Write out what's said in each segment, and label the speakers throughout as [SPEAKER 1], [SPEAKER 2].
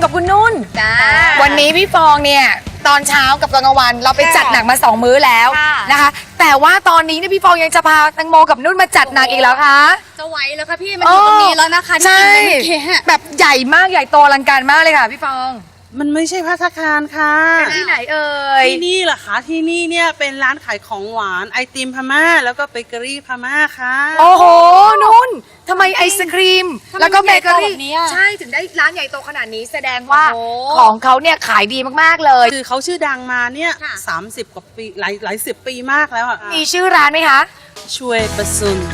[SPEAKER 1] กับคุณนุ่น
[SPEAKER 2] จ้า
[SPEAKER 1] วันนี้พี่ฟองเนี่ยตอนเช้ากับตอนกลางวันเราไปจัดหนักมา2 มื้อแล้ว
[SPEAKER 2] ค่ะ
[SPEAKER 1] นะคะแต่ว่าตอนนี้เนี่ยพี่ฟองยังจะพาแตงโมกับนุ่นมาจัดหนักอีกแล้วคะ
[SPEAKER 2] จะไหวแล้วค่ะพี่มันอยู่ตรงนี้แล้วนะคะที่
[SPEAKER 1] ใช่
[SPEAKER 2] กินเมื่อกี้
[SPEAKER 1] แบบใหญ่มากใหญ่โตอลังการมากเลยค่ะพี่ฟอง
[SPEAKER 3] มันไม่ใช่ภัตตาคารค่ะ
[SPEAKER 1] ที่ไหนเอ่ย
[SPEAKER 3] ที่นี่เหรอคะที่นี่เนี่ยเป็นร้านขายของหวานไอติมพม่าแล้วก็เบเกอรี่พม่าค่ะ
[SPEAKER 1] โอ้โหนุ่นทำไมไอศครีม แล้วก็เบเกอรี่
[SPEAKER 2] แบบนี้อะ
[SPEAKER 1] ใช่ถึงได้ร้านใหญ่โตขนาดนี้แสดงว่า
[SPEAKER 2] โอ้โห
[SPEAKER 1] ของเขาเนี่ยขายดีมากๆเลย
[SPEAKER 3] คือเขาชื่อดังมาเนี่ย
[SPEAKER 2] ค่ะ
[SPEAKER 3] 30 กว่าปีหลายสิบปีมากแล้วอ่ะ
[SPEAKER 1] มีชื่อร้านไหมคะ
[SPEAKER 3] ช่วยประซุน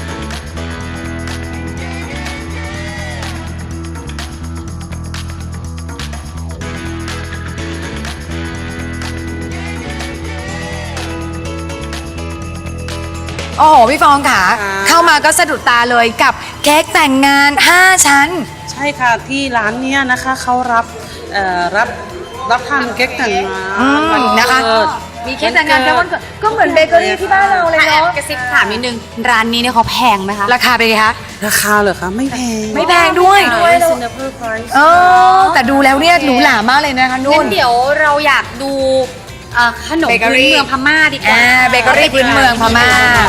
[SPEAKER 1] โอ้โหพี่ฟองค่ะเข้ามาก็สะดุดตาเลยกับเค้กแต่งงาน 5 ชั้น
[SPEAKER 3] ใช่ค่ะที่ร้านเนี้ยนะคะเขารับทำเค้กแต่งงาน
[SPEAKER 1] นะคะ
[SPEAKER 3] วัเกิด
[SPEAKER 1] มีเค้กแต่งงานแค่วันเกิดก็เหมือนเบเกอรี่ที่บ้านเราเลย
[SPEAKER 2] แอบ
[SPEAKER 1] เนาะ
[SPEAKER 2] กระซิบถามนิดนึงร้านนี้เนี่ยเขาแพงไหมคะ
[SPEAKER 1] ราคาเป็นไงคะ
[SPEAKER 3] ราคาเหรอคะไม่แพง
[SPEAKER 1] ไม่แพงด้วย
[SPEAKER 3] reasonable price
[SPEAKER 1] เออแต่ดูแล้วเนี่ยหรูหรามากเลยนะคะนุ่
[SPEAKER 2] งั้
[SPEAKER 1] น
[SPEAKER 2] นเดี๋ยวเราอยากดูขนม
[SPEAKER 1] เบเกอ
[SPEAKER 2] พื้น
[SPEAKER 1] รี่
[SPEAKER 2] เมืองพม่าดีกว่า
[SPEAKER 1] เบเกอรี่พื้นเมืองพม่า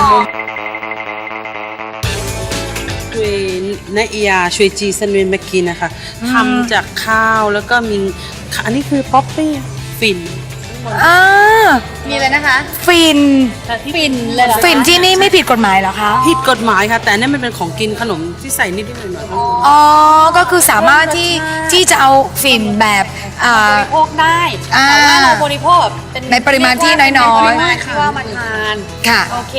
[SPEAKER 3] ช่วยนาเอียช่วยจีซันเวนมากินนะคะทำจากข้าวแล้วก็มีอันนี้คือป๊อปปี้ฟิน
[SPEAKER 1] อ่า
[SPEAKER 2] มีเลยนะคะ
[SPEAKER 1] ฟิน
[SPEAKER 2] ฟินเลยเหรอคะ
[SPEAKER 1] ฟินที่นี่ไม่ผิดกฎหมายเหรอคะ
[SPEAKER 3] ผิดกฎหมายค่ะ แต่อันนี่มันเป็นของกินขนมที่ใส่นิดๆหน่อยๆ
[SPEAKER 1] อ๋อก็คือสามารถที่จะเอาฟินแบบ
[SPEAKER 2] บริโภคได้
[SPEAKER 1] อ่า
[SPEAKER 2] แต่ว่าเราบริโภคแบบเป็น
[SPEAKER 1] ในปริมาณที่น้อยๆ
[SPEAKER 2] ในปริมาณที่ว่ามาทาน
[SPEAKER 1] ค่ะ
[SPEAKER 2] โอเค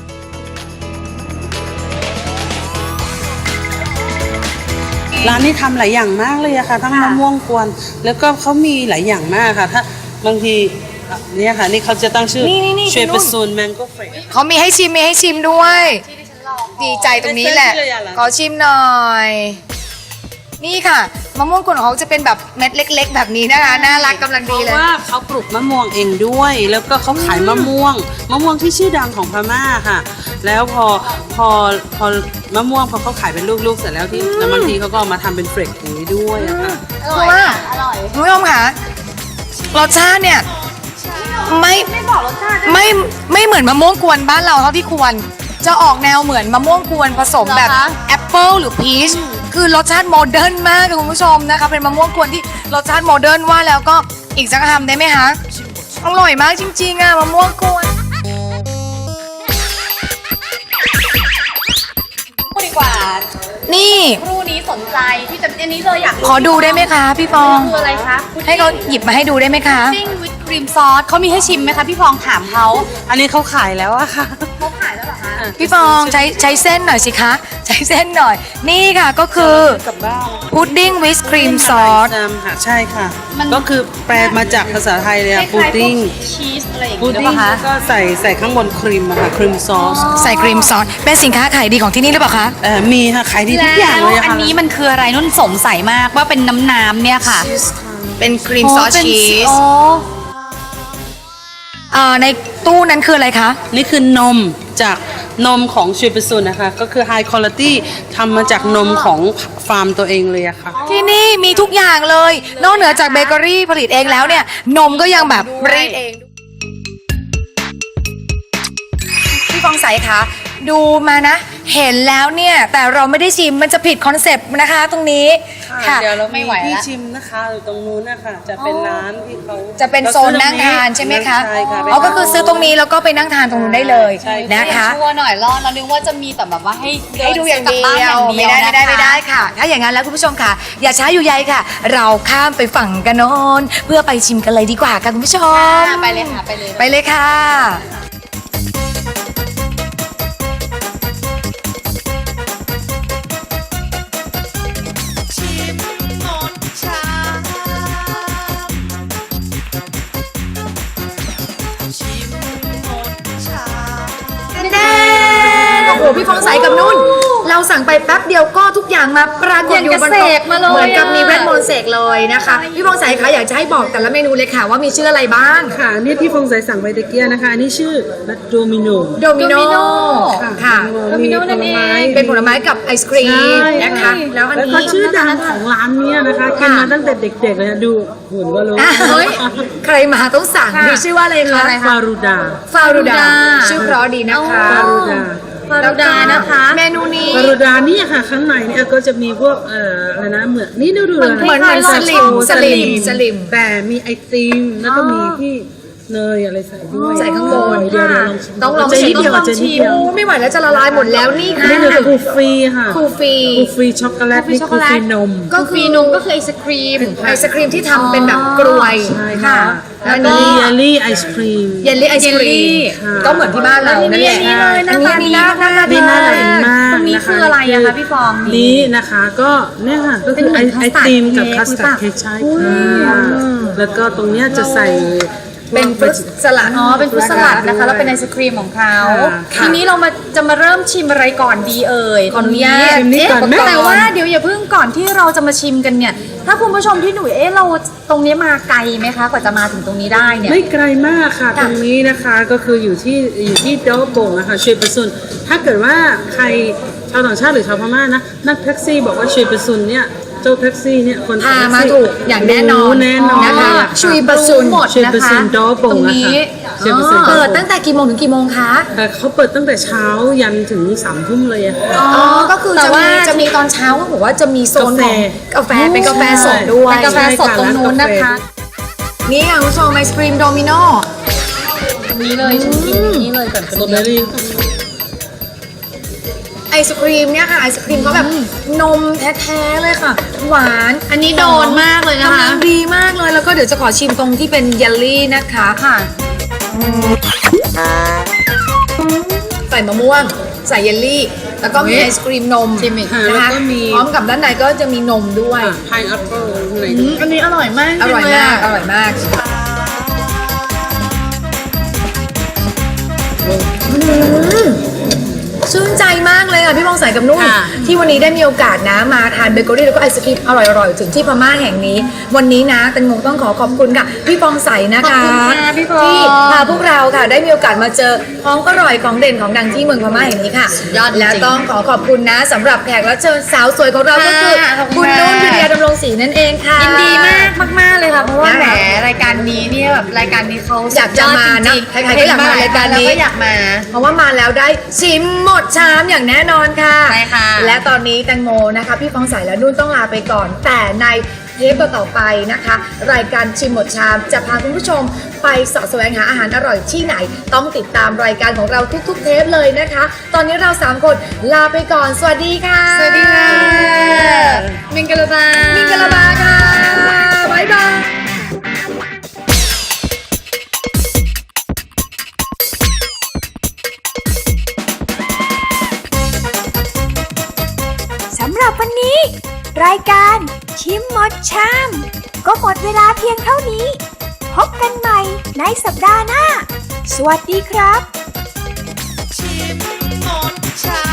[SPEAKER 3] ร้านนี้ทำหลายอย่างมากเลยอะค่ะ ทั้งมะม่วงกวน แล้วก็เขามีหลายอย่างมากค่ะ ถ้าบางทีเนี่ยค่ะนี่เขาจะตั้งชื่อ
[SPEAKER 1] นี่
[SPEAKER 3] ช่วย
[SPEAKER 1] คุณนุ่น
[SPEAKER 3] ประซูนแมงโก้เฟร
[SPEAKER 1] เขามีให้ชิมด้วย ดีใจตรงนี้แหละ ขอชิมหน่อย นี่ค่ะมะม่วงกวนของเขาจะเป็นแบบเม็ดเล็ก ๆ แบบนี้นะคะ น่ารักกำลัง
[SPEAKER 3] เพ
[SPEAKER 1] ดี
[SPEAKER 3] ราะ
[SPEAKER 1] เลย
[SPEAKER 3] ว่าเขาปลูกมะม่วงเองด้วย แล้วก็เขาขายมะม่วงที่ชื่อดังของพม่าค่ะ แล้วพอมะม่วงพอเขาขายเป็นลูกๆเสร็จแล้วที่แล้วบางทีเขาก็เอามาทำเป็นเฟรกอย่างนี้ด้วยอะค่ะ
[SPEAKER 1] เพราะว่า
[SPEAKER 2] อร่อย
[SPEAKER 1] คุณผู้ชมค่ะรสชาติเนี่ยไม่
[SPEAKER 2] ไม่บอกรสชาติ
[SPEAKER 1] ไม่เหมือนมะม่วงกวนบ้านเราเท่าที่ควร จะออกแนวเหมือนมะม่วงกวนผสมแบบ
[SPEAKER 2] เหรอคะ
[SPEAKER 1] แอปเปิลหรือพีชคือรสชาติโมเดิร์นมากค่ะคุณผู้ชมนะคะเป็นมะม่วงกวนที่รสชาติโมเดิร์นว่าแล้วก็อีกสักคำได้ไหมคะอร่อยมากจริงๆอ่ะมะม่วงกวน
[SPEAKER 2] พูดดีกว่า
[SPEAKER 1] นี่
[SPEAKER 2] ครูนี้สนใจที่จะอันนี้เลยอยาก
[SPEAKER 1] ขอดูได้ไหมคะพี่ฟอง
[SPEAKER 2] คืออะไรคะ
[SPEAKER 1] ให้เขาหยิบมาให้ดูได้ไหมคะ
[SPEAKER 2] พุดดิ้งวิปครีมซอสเขามีให้ชิมไหมคะพี่ฟองถามเขา
[SPEAKER 3] อันนี้เขาขายแล้วอะค่ะ
[SPEAKER 2] เขาขายแล้วเหรอคะ
[SPEAKER 1] พี่ฟองใช้เส้นหน่อยสิคะใช้เส้นหน่อย นี่ค่ะก็คือ
[SPEAKER 3] กับบ้าน
[SPEAKER 1] พุดดิ้งวิสครีมซอส
[SPEAKER 3] ค่ะใช่ค่ะ ก็คือแปลมาจากภาษาไทยเลย
[SPEAKER 2] คล้า
[SPEAKER 3] อะ
[SPEAKER 2] ยๆ
[SPEAKER 3] พุดดิ้ง
[SPEAKER 2] พวกชีสอะไรอย่าง
[SPEAKER 3] พุด
[SPEAKER 2] เงี้ยหรือ
[SPEAKER 3] ดิ้
[SPEAKER 2] เป
[SPEAKER 3] ง
[SPEAKER 2] ล่าคะ
[SPEAKER 3] แล้วก็ใส่ข้างบนครีมอะค่ะครีมซอส
[SPEAKER 1] ใส่ครีมซอสเป็นสินค้าขายดีของที่นี่หรือเปล่าคะ
[SPEAKER 3] มีค่ะขายดีทุกอย่างเลย
[SPEAKER 2] แล้ว
[SPEAKER 3] อะ
[SPEAKER 2] อัน
[SPEAKER 3] ค่ะ
[SPEAKER 2] นี้มันคืออะไรนุ่นสงสัยมากว่าเป็นน้ำเนี่ยค่ะ
[SPEAKER 1] เป็นครีมซอส
[SPEAKER 2] เป็น
[SPEAKER 1] ชีส
[SPEAKER 2] อ๋อ
[SPEAKER 1] ในตู้นั้นคืออะไรคะ
[SPEAKER 3] นี่คือนมจากนมของชูเปอร์ซูนนะคะ ก็คือ High Quality ทำมาจากนมของฟาร์มตัวเองเลยอะค่ะ
[SPEAKER 1] ที่นี่มีทุกอย่างเลย นอกเหนือจากเบเกอรี่ผลิตเองแล้วเนี่ย นมก็ยังแบบรีดเองพี่ฟองใสคะดูมานะ เห็นแล้วเนี่ย แต่เราไม่ได้ชิมมันจะผิดคอนเซปต์นะคะตรงนี้ค่ะ
[SPEAKER 3] เดี๋ยวเรา
[SPEAKER 2] ไม่ไหวละ
[SPEAKER 3] ที่ชิมนะคะอยู่ตรงนู้นนะคะจะเป็นร้านที่เขา
[SPEAKER 1] จะเป็นโซนนั่งทานใช่ไหมคะ
[SPEAKER 3] ใช่ค่ะ
[SPEAKER 1] อ๋อก็คือซื้อตรงนี้แล้วก็ไปนั่งทานตรงนู้นได้เลย
[SPEAKER 3] ใช่
[SPEAKER 1] นะคะ
[SPEAKER 2] ชัวร์หน่อยรอดเรานึกว่าจะมีแต่แบบว่าให้
[SPEAKER 1] ให้ดูอย่าง
[SPEAKER 2] กลับ
[SPEAKER 1] เดี
[SPEAKER 2] บ้าน
[SPEAKER 1] ย
[SPEAKER 2] อ
[SPEAKER 1] ว
[SPEAKER 2] ย่างเดียว
[SPEAKER 1] ไม่ได้ค่ะ ถ้าอย่างนั้นแล้วคุณผู้ชมค่ะ อย่าช้าอยู่ใยค่ะ เราข้ามไปฝั่งกันโน้นเพื่อไปชิมกันเลยดีกว่าค่ะคุณผู้ชม
[SPEAKER 2] ไปเลยค่ะไปเลย
[SPEAKER 1] ไปเลยค่ะ แน่โอ้โหพี่ฟองใสกับนุ่นเราสั่งไปแป๊บเดียวก็ทุกอย่างมาปรากฏอยู่บน
[SPEAKER 2] เส
[SPEAKER 1] โต๊ะ
[SPEAKER 2] กมาเลย
[SPEAKER 1] เหมือนกับมีเวทมนต์เสกเลยนะคะพี่พงษ์ใสคะอยากจะให้บอกแต่ละเมนูเลยค่ะว่ามีชื่ออะไรบ้าง
[SPEAKER 3] ค่ะนี่ที่ฟงใสสั่งไปตะเกียนะคะอันนี้ชื่อโดมิโน
[SPEAKER 1] โดมิโนค่ะ
[SPEAKER 3] มีผลไม้
[SPEAKER 1] เป็นผลไม้กับไอศครีม
[SPEAKER 3] ใช่
[SPEAKER 1] นะคะแล้วอัน
[SPEAKER 3] แล้ว
[SPEAKER 1] นี้
[SPEAKER 3] ก็ชื่อดังของร้านเนี้ยนะคะกินมาตั้งแต่เด็กๆเลยนะดูหุ่นก็รู้
[SPEAKER 1] อ่ะเฮ้ยใครมาต้องสั่งมีชื่อว่าอะไรคะ
[SPEAKER 3] ฟารูดา
[SPEAKER 1] ฟารูดาชื่อเพราะดีนะคะ
[SPEAKER 3] ฟารูดา
[SPEAKER 2] ฟารูดานะคะ
[SPEAKER 1] เมนูนี้
[SPEAKER 3] ฟารูดานี่ค่ะข้างในเนี่ยก็จะมีพวกอะไรนะเหมือนนี่ดู
[SPEAKER 1] เหมือนสลิม
[SPEAKER 3] แต่มีไอติมแล้วก็มีที่เนยอะไรใส่ด้วย
[SPEAKER 1] ใส่ข้างบน
[SPEAKER 3] เดี๋ยวลองชิม
[SPEAKER 1] ต้องลอง
[SPEAKER 3] จะ
[SPEAKER 1] ชิ
[SPEAKER 3] นิ
[SPEAKER 1] ม
[SPEAKER 3] ดเดียว
[SPEAKER 1] ต้องลอง
[SPEAKER 3] จะนิด
[SPEAKER 1] ชิม
[SPEAKER 3] เดียว
[SPEAKER 1] โอ้ไม่ไหวแล้วจะละลายหมดแล้วนี่ค่ะ
[SPEAKER 3] นี่คือคูฟรีค่ะ
[SPEAKER 1] คูฟี
[SPEAKER 3] คูฟรีช็อกโกแลตนี่คูฟรีนม
[SPEAKER 1] ก็คือ
[SPEAKER 2] นมก็คือไอศครีม
[SPEAKER 1] ไอศครีมที่ทำเป็นแบบกรวย
[SPEAKER 3] ใช่ค่ะ
[SPEAKER 1] แล้ว
[SPEAKER 3] อัน
[SPEAKER 1] นี่
[SPEAKER 3] นี้เยลลี่ไอศครีม
[SPEAKER 1] เยลลี่ไอศครี
[SPEAKER 2] เยลลี่
[SPEAKER 1] มก็เหมือนที่บ้านเรานั่นแหละ
[SPEAKER 2] นี่เลยหน้าตาดี
[SPEAKER 1] อั
[SPEAKER 2] มาก
[SPEAKER 3] นี่น่าทานมาก
[SPEAKER 2] ตรงนี้
[SPEAKER 3] นะคะ
[SPEAKER 2] คืออะไรอะคะพี่ฟอง
[SPEAKER 3] นี่นะคะก็เนี่ยค่ะก็คือไอ
[SPEAKER 2] เป็นเหมือน
[SPEAKER 3] ไอติมกับ
[SPEAKER 2] คั
[SPEAKER 3] คั
[SPEAKER 2] ส
[SPEAKER 3] ส
[SPEAKER 2] ตา
[SPEAKER 3] ตา
[SPEAKER 2] ร์
[SPEAKER 3] ร์
[SPEAKER 2] ด
[SPEAKER 3] ดเค้กใช่ค่ะแล้วก็ตรงเนี้ยจะใส่
[SPEAKER 1] เป็นฟรุตสลัด
[SPEAKER 2] อ๋อ เป็นฟรุตสลัดนะคะ แล้วเป็นไอศครีมของเขา
[SPEAKER 3] ค่ะ
[SPEAKER 2] ทีนี้เราจะมาเริ่มชิมอะไรก่อนดีเอ่ย ขออนุญาต
[SPEAKER 3] ชิมนี่ก่อนไหม
[SPEAKER 2] แต่ว่าเดี๋ยวอย่าเพิ่งก่อนที่เราจะมาชิมกันเนี่ย ถ้าคุณผู้ชมที่หนูเราตรงนี้มาไกลไหมคะ กว่าจะมาถึงตรงนี้ได้เนี่ย
[SPEAKER 3] ไม่ไกลมากค่ะ ตรงนี้นะคะก็คืออยู่ที่โดโป่งนะคะช่วยประสุนถ้าเกิดว่าใครชาวต่างชาติหรือชาวพม่านะนั่งแท็กซี่บอกว่าช่วยประสุนเนี่ยเจ้าแท็กซี่เนี่ยคน
[SPEAKER 1] พา
[SPEAKER 3] แท็ก
[SPEAKER 1] มา
[SPEAKER 3] ซี่
[SPEAKER 1] ถูกอย่างแน่นอน
[SPEAKER 3] รู้แน่นอน
[SPEAKER 1] นะคะ
[SPEAKER 3] เลยล่ะ
[SPEAKER 1] ชุยประสุน
[SPEAKER 2] หมด
[SPEAKER 3] ช่วย
[SPEAKER 2] นะ
[SPEAKER 3] ประสุ
[SPEAKER 2] คะ
[SPEAKER 3] นโดโป่ง
[SPEAKER 2] ตรง
[SPEAKER 3] นะ
[SPEAKER 2] นี้
[SPEAKER 3] คะช่วยประสุน
[SPEAKER 1] เปิดตั้งแต่กี่โมงถึงกี่โมงคะ
[SPEAKER 3] แต่เขาเปิดตั้งแต่เช้ายันถึง3 ทุ่มเลยอะค่ะ
[SPEAKER 1] อ๋อ ก็คือ
[SPEAKER 2] แต่
[SPEAKER 1] จะ
[SPEAKER 2] ว่า
[SPEAKER 1] มีตอนเช้าก็บอกว่าจะมีโซนของ
[SPEAKER 3] กาแฟ
[SPEAKER 1] เป็นกาแฟสดด้วย
[SPEAKER 2] เป็นกาแฟสดตรงนู้นนะคะ
[SPEAKER 1] นี่ค่ะคุณผู้ชมไอศครีมโดมิโน
[SPEAKER 2] ตรงนี้เลยฉันกินนี้เลยก่อน
[SPEAKER 3] สตรอเบอรี่
[SPEAKER 1] ไอศครีมเนี่ยค่ะไอศครีมเขาแบบนมแท้ๆเลยค่ะ หวาน
[SPEAKER 2] อันนี้โดนมากเลยนะ
[SPEAKER 1] กำลั
[SPEAKER 2] คะ
[SPEAKER 1] งดีมากเลยแล้วก็เดี๋ยวจะขอชิมตรงที่เป็นเยลลี่นะคะ
[SPEAKER 2] ค่ะ
[SPEAKER 1] ใส่มะม่วง ใส่เยลลี่ แล้วก็มีไอศครีมนม
[SPEAKER 2] ชิมอีก
[SPEAKER 3] ค่ะ
[SPEAKER 1] นะ
[SPEAKER 3] แล้ว
[SPEAKER 1] คะ
[SPEAKER 3] ก็มี
[SPEAKER 1] พร้อมกับด้านในก็จะมีนมด้วย
[SPEAKER 3] พายแอปเปิ้ลข้างใน
[SPEAKER 2] อันนี้อร่อยมาก
[SPEAKER 1] อร่อยมาก อร่อยมากชื่นใจมากเลยค่ะพี่มองใสกับนุ่น
[SPEAKER 3] ค่ะ
[SPEAKER 1] ที่วันนี้ได้มีโอกาสนะมาทานเบเกอรี่แล้วก็ไอศครีมอร่อยๆถึงที่พม่าแห่งนี้ วันนี้นะแตงโมต้องขอบคุณค่ะพี่ฟองใสนะคะ
[SPEAKER 2] ขอบคุณค่ะพี่ฟอง
[SPEAKER 1] ที่พาพวกเราค่ะได้มีโอกาสมาเจอของอร่อยของเด่นของดังที่เมืองพม่าแห่งนี้ค่ะ
[SPEAKER 2] ยอดจริง
[SPEAKER 1] และต้องขอบคุณนะสำหรับแขกรับเชิญสาวสวยของเราก็คือ
[SPEAKER 2] ค่ะขอบคุ
[SPEAKER 1] คุณ
[SPEAKER 2] ณ
[SPEAKER 1] นุ่น
[SPEAKER 2] ค่ะ
[SPEAKER 1] พิทยาดำรงศรีนั่นเองค่ะ
[SPEAKER 2] ยินดีมากเลยค่ะ เพราะว่า
[SPEAKER 1] นะ
[SPEAKER 2] แหมรายการนี้เนี่ยแบบรายการนี้เขา
[SPEAKER 1] อยากจะมานะ
[SPEAKER 2] สุดยอดจริงๆ
[SPEAKER 1] ใครๆก็อยากมารายการนี้
[SPEAKER 2] แล้วก็อยากมา
[SPEAKER 1] เพราะว่ามาแล้วได้ชิมหมดชามอย่างแน่นอนค่ะ
[SPEAKER 2] ใช่ค่ะ
[SPEAKER 1] และตอนนี้แตงโมนะคะ พี่ฟองใสและนุ่นต้องลาไปก่อน แต่ในเทปต่อๆไปนะคะ รายการชิมหมดชามจะพาคุณผู้ชมไปเสาะแสวงหาอาหารอร่อยที่ไหน ต้องติดตามรายการของเราทุกๆเทปเลยนะคะ ตอนนี้เรา3คนลาไปก่อน สวัสดีค่ะ
[SPEAKER 2] สวัสดีค่ะมิงกะลาบา
[SPEAKER 1] มิงกะลาบาค่ะบ๊ายบาย
[SPEAKER 4] สำหรับวันนี้ รายการชิมหมดชาม ก็หมดเวลาเพียงเท่านี้ พบกันใหม่ในสัปดาห์หน้า สวัสดีครับ
[SPEAKER 5] ชิมหมดชา